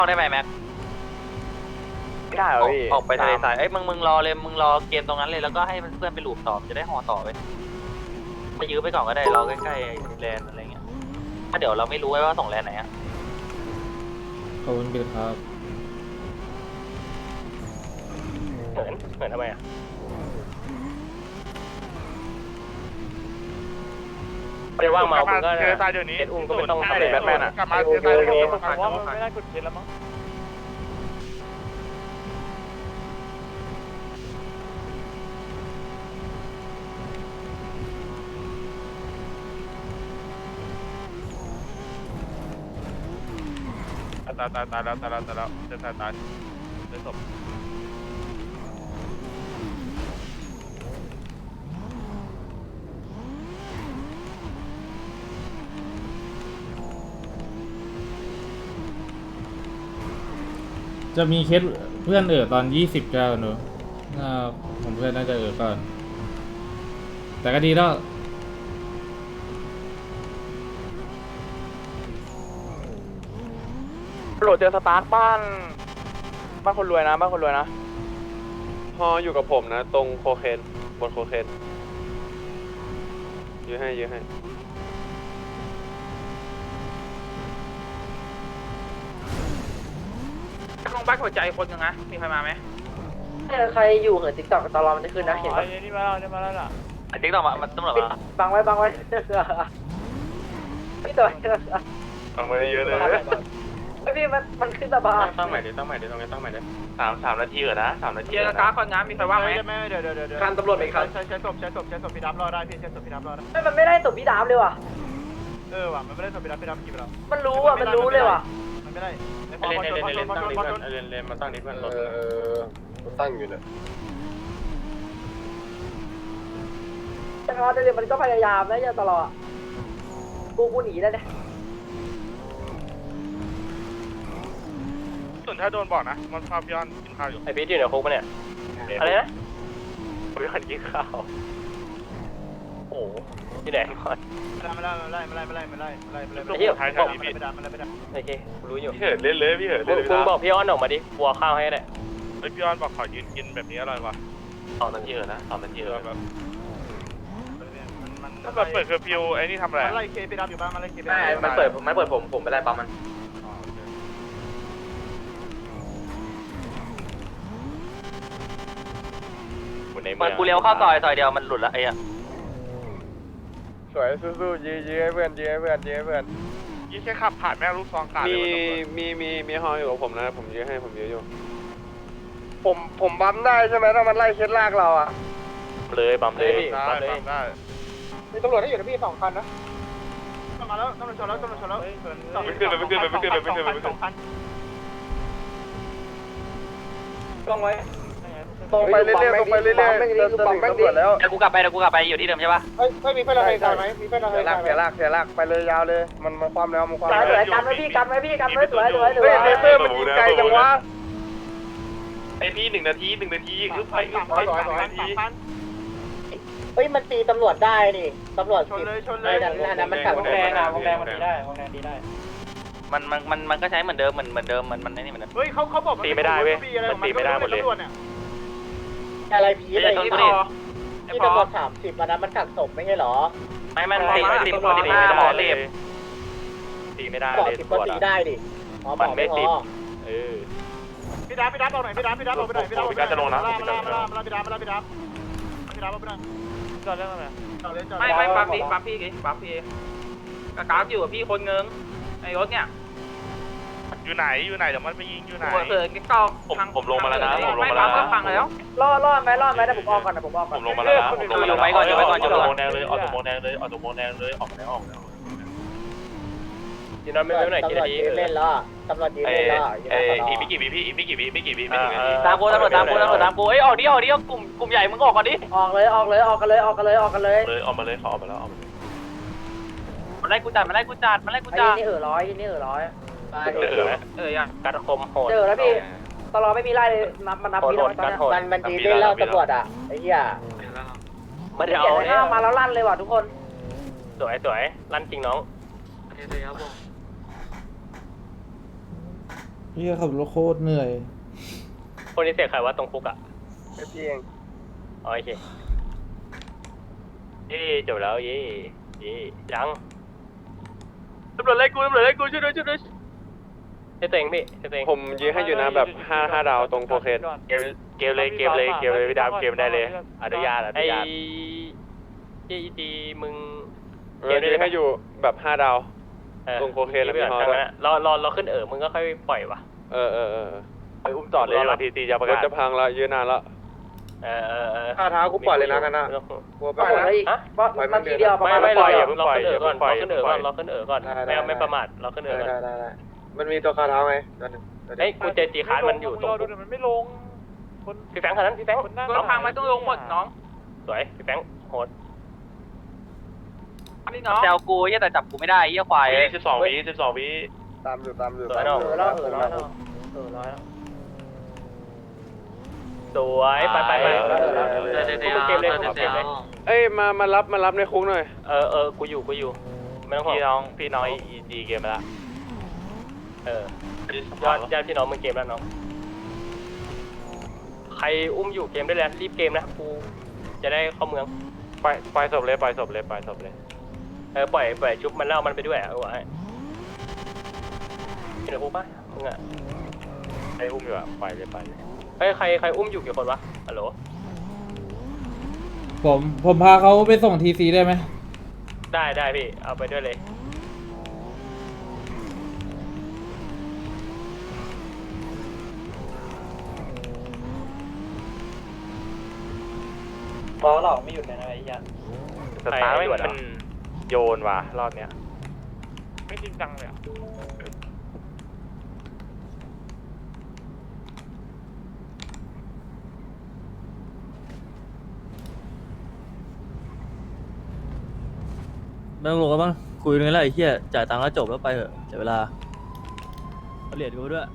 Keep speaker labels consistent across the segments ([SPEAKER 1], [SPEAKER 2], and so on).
[SPEAKER 1] เข้าได้ไหมแม็ก
[SPEAKER 2] ไม่ได้เหรอพี่
[SPEAKER 1] ออกไปทะเลทรายมึงรอเลยมึงรอเกมตรงนั้นเลยแล้วก็ให้เพื่อนไปลูบต่อจะได้ห่อต่อไปไปยื้อไปก่อนก็ได้รอใกล้ๆแลนอะไรเงี้ยถ้าเดี๋ยวเราไม่รู้ว่าส่งแลนไหนอะ
[SPEAKER 3] ขอบคุณบิลครับ
[SPEAKER 2] เหมือนทำไมอ่ะไม่ว่างเมาคุณก็เททรายเดี๋ยวนี้เอ็ดอุ้มก็ไม่ต้องทำเลยแบทแมนอ่ะกลับมาเททรายเดี๋ยวนี้ผมว่ามันไม่ได้กดเทสแล้วมั้งตายแล้วเจอตายเจอศพ
[SPEAKER 3] จะมีเคสเพื่อนตอน20แล้วเนอะน่าผมเพื่อนน่าจะก่อนแต่ก็ดีแล้ว
[SPEAKER 2] โหลดเจอสตาร์ทบ้านคนรวยนะ
[SPEAKER 4] พออยู่กับผมนะ ตรงโคเคนบนโคเคนยื้อให้
[SPEAKER 2] ลงบ้านหัวใจคนยังนะมีใครมาไหม
[SPEAKER 5] ใครอยู่เหรอติ๊กต็อกตลอดมันจะขึ้นนะเห็นปะ
[SPEAKER 2] นี่มาแล้วล่ะ
[SPEAKER 1] ติ๊กต่อมาตำรวจมา
[SPEAKER 5] บังไว้พี่ตัว
[SPEAKER 4] ฟังมาเยอะเลย
[SPEAKER 5] พี่มันขึ้นสะพาน
[SPEAKER 4] ตั้งใหม่ดิตรงนี้ตั้งใหม่ดิ
[SPEAKER 1] สามนาทีเหรอนะ3 นาที
[SPEAKER 2] เจอการคนงานมีใครว่างไหมเดี๋ยว
[SPEAKER 5] คันตำรวจไหมครับ
[SPEAKER 2] ใช้ศพพี่ดับรอได้พี่ใช้ศพพี่ดับรอได้
[SPEAKER 5] มันไม่ได้ตบพี่ดามเลยว่ะ
[SPEAKER 2] ว่ะมันไม่ได้ศพพี่ดับกี่ไปแล้ว
[SPEAKER 5] มันรู้เลยว่ะ
[SPEAKER 2] มันไม่ได้
[SPEAKER 4] เล่นตั้งนี้เพื่อนเล่นมาตั้งนี้เพื่อนรถตั้งอยู่เนี่ย
[SPEAKER 5] แต่เขาเดี๋ยวมันก็พยายามนะอย่าตลอดกูหนีได้เนี่ย
[SPEAKER 2] ส่วนถ้าโดนบอกนะมันพาพี่ออนกินข้าวอยู่
[SPEAKER 4] ไอพีทอยู่ในคุกปะเนี่ย
[SPEAKER 2] อะไรนะ
[SPEAKER 4] พี่ออนกินข้าวโอ้ที่ไหนก่อน
[SPEAKER 2] ไม่ไล่ท้ายพี่ไม่ได้
[SPEAKER 4] โอเครู้อยู่พี่เหินเล่นเลยพี่เหินคุณบอกพี่ออนออกมาดิบัวข้าวให้ได้
[SPEAKER 2] พี่ออนบอกขอยืนกินแบบนี้อร่อยว่ะ
[SPEAKER 4] 2 นาทีนะ2 นาทีแบบ
[SPEAKER 2] ถ้าเปิดเคอร์ฟิวไอ้นี่ทำอะไรไล่เคไปดับอยู่บ้านมาไล่เคไปดับ
[SPEAKER 4] มันเปิดผมไปไล่ปั๊มมัน
[SPEAKER 1] มันกูเลี้ยวเข้าซอยเดียวมันหลุดละไอ้อะ
[SPEAKER 4] สวยสู้ๆยื้อให้เพื่อน
[SPEAKER 2] ยี่แค่ขับผ่านแม่ลูกซองขาด
[SPEAKER 4] มีฮออยู่กับผมนะผมยื้ออยู่
[SPEAKER 2] ผมบัมได้ใช่ไหมถ้ามันไล่เคสลากเราอ่ะ
[SPEAKER 4] เลยปั๊มเลย
[SPEAKER 2] ได้มีตำรวจที่อยู่ในพี่2 คันนะมาแล้วตำรวจชนแล้วไม่ขึ้น
[SPEAKER 5] ต้องไว้
[SPEAKER 2] ตรงไปเรื่อยจะถึงตำรวจแล้ว
[SPEAKER 1] เดี๋ยวกูกลับไปอยู่ที่เดิมใช่ปะ
[SPEAKER 2] ไม่มีเพื่อนเราใครไหมมีเพื่อนเราใครเสียลากไปเลยยาวเลยมันความแล้วมันความ
[SPEAKER 5] สวยกันไว้พี่กันไว้สวย
[SPEAKER 2] เฮ้ยเลเซอร์มันยิงไกลจังวะ
[SPEAKER 4] ไอพี่1 นาทีคือไป
[SPEAKER 5] เฮ้ยมันตีตำรวจได้นี่ตำรวจ
[SPEAKER 2] ชนเลย
[SPEAKER 5] นั่นมันขับวงแดงมันตีได้
[SPEAKER 1] มันก็ใช้เหมือนเดิมมันนี่เหมือนเดิม
[SPEAKER 2] เฮ้ยเขาบอกมันตีไม่ได้หมดเลย
[SPEAKER 5] อะไรผีอะไรที่ตำรวจ30อันนั้นมันกักศพไม่ใช่หรอ
[SPEAKER 1] ไม่มันติดสมองเรียบ
[SPEAKER 4] ตีไม่ได้
[SPEAKER 5] ก่อ
[SPEAKER 4] เลย
[SPEAKER 5] 10ก็ตีได้ดิบอกไม่พอ
[SPEAKER 2] พี่ดับเอาหน่อยพี่ดับเอาไปหน่อยพี่ดับจะลงนะพี่ดับจอดเรื่องอะไร
[SPEAKER 1] ไม่ปั๊บพี่กากอยู่กับพี่คนเงิงไอ้รถเนี่ย
[SPEAKER 2] อยู่ไหนเดี๋ยวมันไปยิงอยู่ไหน
[SPEAKER 1] เกิดกิ๊กกอง
[SPEAKER 4] ผมลงมาแล้วนะ
[SPEAKER 1] ไม่ปั๊บก็ฟังแล้ว
[SPEAKER 5] รอดไหมแต่ผมออกก่อนนะ
[SPEAKER 4] ผมลงมาแล้วนะอยู่ไปก่อนออกตัวโมงแดงเลยออกตัวโมงแดงเลยออกแล้วยินดีไม่ไหนกี่นาที
[SPEAKER 5] เล่นแล้วตำรวจยืนเล่นแล้ว
[SPEAKER 4] อีกไม่กี่วิพี่ไม่กี่วิ
[SPEAKER 1] ตามกูตำรวจตามกูเอ้ยออกดิกลุ่มใหญ่มึงออกก่อนดิ
[SPEAKER 5] ออกกันเลย
[SPEAKER 4] ออกมาเลยขอออกมาแล้ว
[SPEAKER 1] มันไล่กูจัด
[SPEAKER 5] ไอ้นี่ร้อย
[SPEAKER 1] ยังกัดคมโหด
[SPEAKER 5] เจอแล้วพี่ตลอดไม่มีไล่เลยมันนับพี่แล้วมันยืนเล่นแล้วตำรวจอ่ะไอ้เหี้ย
[SPEAKER 1] มาเดี๋ยว
[SPEAKER 5] ห้ามาแล้วลั่นเลยว่ะทุกคน
[SPEAKER 4] สวยลั่นจริงน้อง
[SPEAKER 3] พี่ขับรถโคตรเหนื่อย
[SPEAKER 4] คนนี้เสียใครว่าตรงคุกอ่ะ
[SPEAKER 2] พี่เอง
[SPEAKER 4] อ๋อโอเคจบแล้วยังตำรวจไล่กูช่วยด้วยช่วยด้วยให้ตัวเองพี่ให้ตัวเอง
[SPEAKER 2] ผมยืนให้อยู่นะแบบ5 ดาวตรงโคเคน
[SPEAKER 4] เกมเลยพี่ดาวเกมได้เลยอนุญาตไอ้จีมึง
[SPEAKER 2] ยืนให้อยู่แบบ5 ดาวตรงโคเคนแล้วพี่ฮอด้วย
[SPEAKER 4] รอขึ้นมึงก็ค่อยปล่อยว่ะ
[SPEAKER 2] ไปอุ้มจอดเลยรถทีจะประกาศรถจะพังแล้วยืนนานแล้ว
[SPEAKER 4] ข้าเท้ากูปล่อยเลยนะกันนะ
[SPEAKER 5] ปล่อยแล้วอีกนาทีเดียวประมาณ
[SPEAKER 4] ไม่
[SPEAKER 2] ปล่อย
[SPEAKER 4] รอขึ้นก่อนรอขึ้นก่อนไม่ประมาทรอขึ้นก่อน
[SPEAKER 2] ได้มันมีตัวคาเท้าไงตัวนึง
[SPEAKER 4] เฮ้ยกูเจอจีคาร์มันอยู่ตรง
[SPEAKER 2] มันไม่ลง
[SPEAKER 4] พี่แฟงคนนั้นพี่แฟง
[SPEAKER 1] รถพังไม่ต้องลงหมดน้อง
[SPEAKER 4] สวยพี่แฟงโหด
[SPEAKER 1] นี่น้องแซวกูเหี้ยแต่จับกูไม่ได้เหี้ยควาย
[SPEAKER 2] 12 วิตามอยู่
[SPEAKER 4] สวยน้อง
[SPEAKER 5] แล้ว
[SPEAKER 4] สวยไป
[SPEAKER 1] เกมเลย
[SPEAKER 2] เอ้ยมารับในคุกหน่อย
[SPEAKER 4] กูอยู่ไม่ต้องห่วงพี่น้องEGเกมไปละญาติพี่น้องมึงเกมแล้วน้องใครอุ้มอยู่เกมได้แล้วรีบเกมนะกูจะได้เข้าเมือง
[SPEAKER 2] ปล่อยศพเลยปล่อยศพเลย
[SPEAKER 4] ปล่อยชุบมันเล่ามันไปด้วยเอาไว้เห็นหรือกูปะมึงอ่ะ
[SPEAKER 2] ไอ้อุ้มอยู่อ่ะปล่อยเลย
[SPEAKER 4] เฮ้ยใครอุ้มอยู่กี่คนวะฮัลโหล
[SPEAKER 3] ผมพาเขาไปส่งทีซีได้ไหม
[SPEAKER 4] ได้พี่เอาไปด้วยเลย
[SPEAKER 1] บอลหลอกไม่หยุดเลยนะไอ้ยัน
[SPEAKER 2] สตาร์ไม่มันโยนว่ะรอบเนี้ย
[SPEAKER 4] ไม่จริงจังเลยอ่ะ
[SPEAKER 6] ไม่ต้องลงแล้วมั้งคุยกันแล้วไอ้เหี้ยจ่ายตังค์แล้วจบแล้วไปเถอะเสียเวลาเอาเหรียญกูด้วย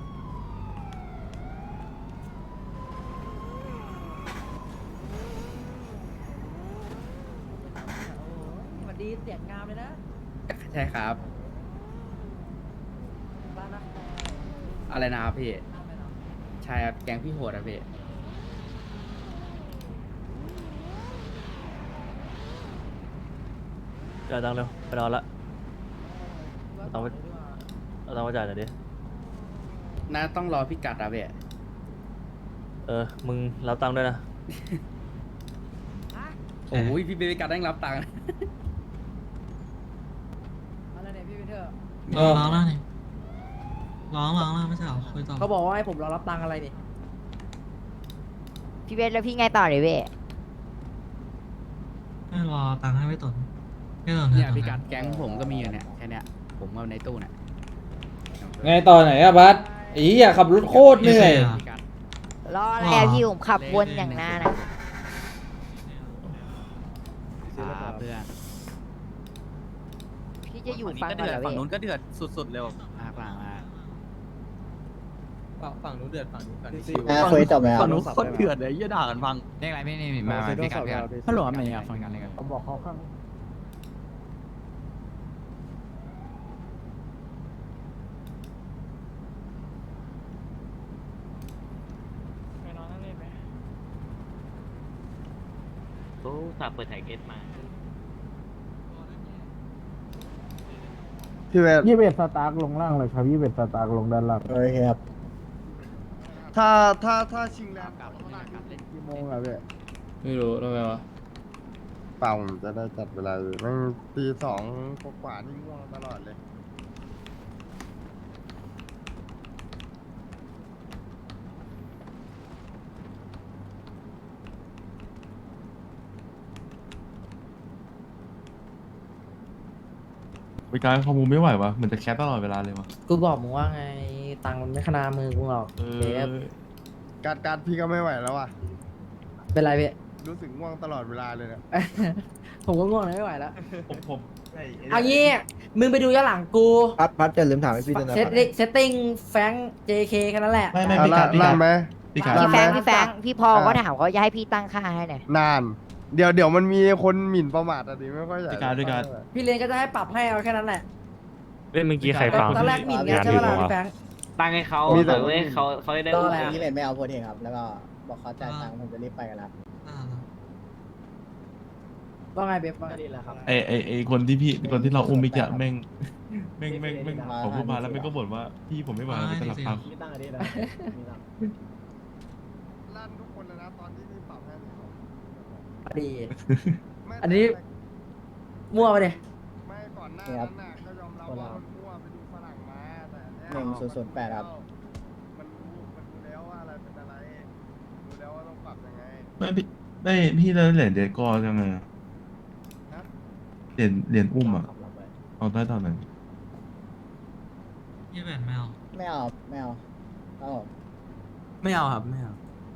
[SPEAKER 5] สวัสดีเสียงงามเลยนะ
[SPEAKER 7] ใช่ครับ
[SPEAKER 5] บ้านนะ
[SPEAKER 7] อะไรนะครับพี่ ใช่ครับ แกงพี่โหดอะพี่
[SPEAKER 6] จ่ายตังค์เร็วไปนอนละเอาตังค์มาจ่ายหน่อยดิ
[SPEAKER 7] น่าต้องรอพี่กัดอะพี่
[SPEAKER 6] มึงรับตังค์ด้วยนะ
[SPEAKER 7] โอ้ยพี่เบบี้กัดได้รับตังค์
[SPEAKER 5] อะไรเนี่ยพี่วินเทอร์
[SPEAKER 8] ร้องแล้วนี่ร้องแล้วไม่ใช่เหรอคุยต่อ
[SPEAKER 5] เขาบอกว่าให้ผมรอรับตังค์อะไรนี่
[SPEAKER 9] พี่เวทแล้วพี่ไงต่อเลยเว้ย
[SPEAKER 8] ไม่รอตังค์ให้ไม่ตนไม่ตน
[SPEAKER 7] เนี่ยพี่กัดแก๊งผมก็มีอยู่เนี่ยแค่เนี้ยผมเอาในตู้เนี่ย
[SPEAKER 3] ไงต่อไหนอะบัสอีอย่าขับรถโคตรเหนื่อย
[SPEAKER 7] พี่กัด
[SPEAKER 9] รออะไรอะพี่ผมขับวนอย่างหน้านะ
[SPEAKER 7] ครับเพื่อน
[SPEAKER 9] พี่จะอยู่ฟังก่อนเหรอ
[SPEAKER 6] ฝั่ง
[SPEAKER 9] เว้ย
[SPEAKER 6] นู้นก็เดือดสุดๆเร็ว
[SPEAKER 7] มากมา
[SPEAKER 6] ฝั่งนู้นเดือดฝั่งนี้ฝั่งนี้
[SPEAKER 10] เคยจบไหมครับ
[SPEAKER 6] ฝั่งนู้นโคตรเดือดเลยยี่ด่ากันฟัง
[SPEAKER 7] เรียกอะไรไม่นี่มาพี่กัดพี่กัดฮัลโหลไม่อยากฟังกันเลยกัน
[SPEAKER 5] ผมบอกเขาข้าง
[SPEAKER 2] ไปนอนนั่งเล่นไหม
[SPEAKER 6] เขาฝากเปิดแท็กเอสมา
[SPEAKER 10] พี่เวท
[SPEAKER 3] 21 สตาร์กลงล่างเลยครับ21 สตาร์กลงด้านล่าง
[SPEAKER 10] โอเคครับ ถ้าชิงแล้ว
[SPEAKER 3] กี่โมงอะพี่ไม่รู้ทำไมวะ
[SPEAKER 10] เปล่าผมจะได้จัดเวลาอยู่นั่งตี 2 กว่านี่ง่วงตลอดเลย
[SPEAKER 11] ไปการข้อมูลไม่ไหววะเหมือนจะแคปตลอดเวลาเลยวะ
[SPEAKER 5] กูบอกมึงว่าไงตังค์มันไม่ขนามือกูหรอกเบฟ
[SPEAKER 10] การพี่ก็ไม่ไหวแล้วอ่ะ
[SPEAKER 5] เป็นไรพี่
[SPEAKER 10] รู้สึกง่วงตลอดเวลาเลยเนี่ย
[SPEAKER 5] ผมก็ง่วงไม่ไหวแล้ว
[SPEAKER 11] ผม
[SPEAKER 5] เอางี้มึงไปดูย้อนหลังกู
[SPEAKER 10] พัดจะลืมถามให้พี่ด้วยนะ
[SPEAKER 5] เซตติ้งแฟง JK แค่นั้นแหละ
[SPEAKER 11] ไม่พี่การ
[SPEAKER 10] ลั่นไหม
[SPEAKER 11] พี่การ
[SPEAKER 9] พี่แฟงพี่พอก็ถามเขาจะให้พี่ตั้งค่าให้หน่อย
[SPEAKER 10] นาน เดี๋ยวมันมีคนหมิ่นประมาทอ่ะดิไม่ค่อยใหญ่
[SPEAKER 11] พี่การด้วยกัน
[SPEAKER 5] พี่เลนก็จะให้ปรับให้เอาแค่นั้นแหละ
[SPEAKER 6] เมื่อกี้ใครฟัง
[SPEAKER 5] ตอนแรกหมิ่นไงใช่ไหมล่ะพี่แฟง
[SPEAKER 6] ตั้งให้เขา
[SPEAKER 10] มีแต่
[SPEAKER 6] เว้ยเขาได้
[SPEAKER 7] ก็อะไรที่เป็นไม่เอาโพเทคครับ แล้วก็บอกเขาจ่ายตังค์ผมจะรีบไปกันแล้ว
[SPEAKER 8] อ่า
[SPEAKER 7] ว่าไงเบ๊บว่าดีแล้วครับ
[SPEAKER 11] ไอคนที่เราอุ้มมิกอะแม่งขอพูดมาแล้วแม่งก็บ่นว่าพี่ผมไม่ไหวแล้วจะหลับพัก
[SPEAKER 7] มีตังค์ดีนะมีตังค์
[SPEAKER 10] ลั่นทุกคนเลยนะตอนที่พี่ปรับให้ผม
[SPEAKER 7] ดี
[SPEAKER 10] ไม่
[SPEAKER 7] อันนี้ มั่วไปเลย
[SPEAKER 10] ไม่ก่อนหน้านั้นน่ะก็ยอมรับว่ามันมั่วไปดูฝรั่งมาแต่เนี่ย
[SPEAKER 7] 1008ครับ
[SPEAKER 10] มันรู้แล้วว่าอะไรเป็นอะไรรู้แล้วว่าต้องปรับยังไง
[SPEAKER 11] ไม่พี่ได้เหรียญเดกอจังไงอะ
[SPEAKER 10] ฮะ
[SPEAKER 11] เหรียญอุ้มอะเอาได้ตอนไหน
[SPEAKER 8] ยี่แปดแมว
[SPEAKER 7] ไม่เอาไม่เอาครับผม
[SPEAKER 6] ไม่เอาครับไม่เอา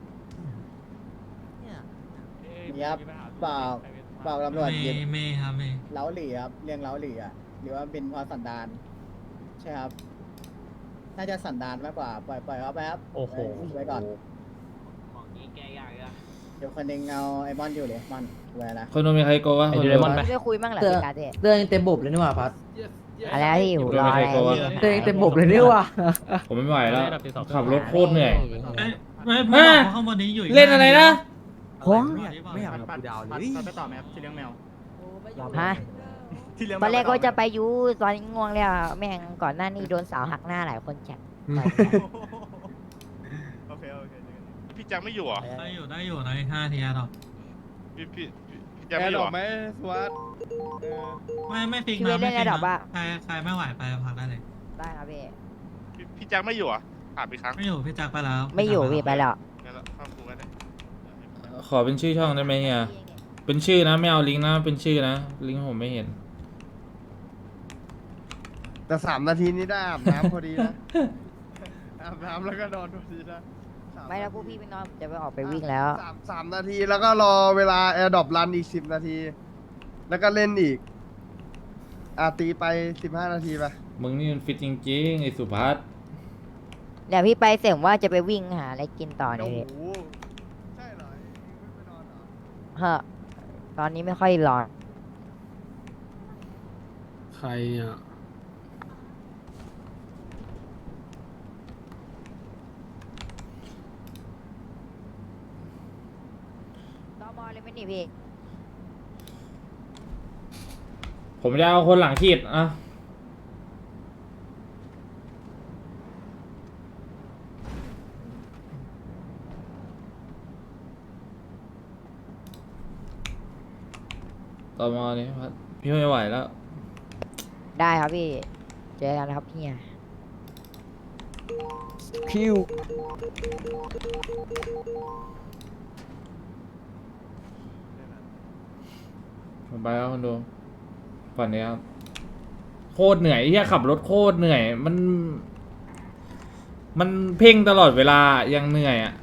[SPEAKER 7] นี่ครับเปล่าตำรวจยึด
[SPEAKER 8] ไม่ครับไม่
[SPEAKER 7] เล้าหลี่ครับเรียงเล้าหลี่อ่ะหรือว่าเป็นเพราะสันดานใช่ครับ น่าจะสันดานมากกว่าปล่อยเขาไปครับ
[SPEAKER 6] โอ้โห
[SPEAKER 7] ไว้ก่อน
[SPEAKER 6] ของนี้แกยากอะ
[SPEAKER 7] เดี๋ยวคนหนึงเอาไอ้มอนอยู่เลยมอนไว้นะ
[SPEAKER 3] คนโนมีใครโกวะ
[SPEAKER 6] ไอ้
[SPEAKER 3] คน
[SPEAKER 6] โด
[SPEAKER 3] โน
[SPEAKER 6] เรมอน
[SPEAKER 9] ไม่คุยมั่งเหรอพี่กาเต้
[SPEAKER 7] เรื่องเต็มบบเลยนี่หว่าพัด
[SPEAKER 9] อะไรนะพี่หูรออะไร
[SPEAKER 3] โดนไปโกวะ
[SPEAKER 7] เรื่องเต็มบบเลยนี่หว่า
[SPEAKER 3] ผมไม่ไหวแล้วขับรถโคตรเหนื่อย
[SPEAKER 8] ไม่
[SPEAKER 3] อ่ะ
[SPEAKER 8] ข้างบนนี้อยู่
[SPEAKER 3] เล่นอะไรนะ
[SPEAKER 6] ไม่อยากกูดาวเลย
[SPEAKER 2] ไปต่อไหมครับที่เลี้ยงแมว
[SPEAKER 9] ฮะ
[SPEAKER 2] ที่เลี้ยง
[SPEAKER 9] ตอนแรกก็จะไปยูตอนนี้ง่วงแล้วแม่งก่อนหน้านี้โดนสาวหักหน้าหลายคนจัด
[SPEAKER 2] โอเคพี่แจ็คไม่อยู่เหรอ
[SPEAKER 8] ได้อยู่นะ5 ทีหรอก
[SPEAKER 2] พี่
[SPEAKER 10] แอ
[SPEAKER 2] แจ็คไม่อ
[SPEAKER 10] ร์ด
[SPEAKER 2] ยู่
[SPEAKER 10] ร
[SPEAKER 2] เหรอ
[SPEAKER 10] อปไหมสวัสด
[SPEAKER 8] ไม่ฟิก
[SPEAKER 9] พี่
[SPEAKER 8] นะ
[SPEAKER 9] เล่
[SPEAKER 8] ไม่
[SPEAKER 9] น
[SPEAKER 8] ฟิ
[SPEAKER 9] ระ
[SPEAKER 8] ก
[SPEAKER 9] ดับว่า
[SPEAKER 8] นะใครไม่ไหวไปพักได้เลย
[SPEAKER 9] ได้ครับพี่
[SPEAKER 2] พี่แจ็คไม่อยู่เหรอถามอีกครั้ง
[SPEAKER 8] ไม่อยู่พี่จักไปแล้ว
[SPEAKER 9] ไม่อยู่พี่ไปแล้ว
[SPEAKER 2] งั้นละข้ามกูกันได้
[SPEAKER 3] ขอเป็นชื่อช่องได้ไหมเฮียเป็นชื่อนะไม่เอาลิงก์นะเป็นชื่อนะลิงก์ผมไม่เห็น
[SPEAKER 10] แต่3 นาทีนี้ได้อาบน้ำพอดีนะ อาบน้ำแล้วก็นอนพอดีนะ3
[SPEAKER 9] ไม่แล้วพวกพี่ไปนอนผมจะไปออกไปวิ่งแล้ว
[SPEAKER 10] สามนาทีแล้วก็รอเวลาแอร์ดรอปรันอีก10 นาที แล้วก็เล่นอีกตีไป15 นาทีไป
[SPEAKER 3] มึงนี่มันฟิตจริงๆไอ้สุภัส
[SPEAKER 9] เดี๋ยวพี่ไปเสร็จว่าจะไปวิ่งหาอะไรกินต่อ
[SPEAKER 10] โอ้
[SPEAKER 9] นี่
[SPEAKER 10] โหใช่เหรอไม่ไปนอนเหรอ
[SPEAKER 9] เฮ้อตอนนี้ไม่ค่อยร้อน
[SPEAKER 3] ใครอ่ะ
[SPEAKER 9] ตอมอเลยไหมนี่พี่
[SPEAKER 3] ผมจะเอาคนหลังขีดอ่ะต่อมาเนี่ยพัดพี่ไม่ไหวแล้ว
[SPEAKER 9] ได้ครับพี่ เจอกันครับเฮียคิว
[SPEAKER 3] ผมไปแล้วคนดูฝันนี้ครับโคตรเหนื่อยที่ขับรถโคตรเหนื่อยมันเพ่งตลอดเวลายังเหนื่อยอ่ะ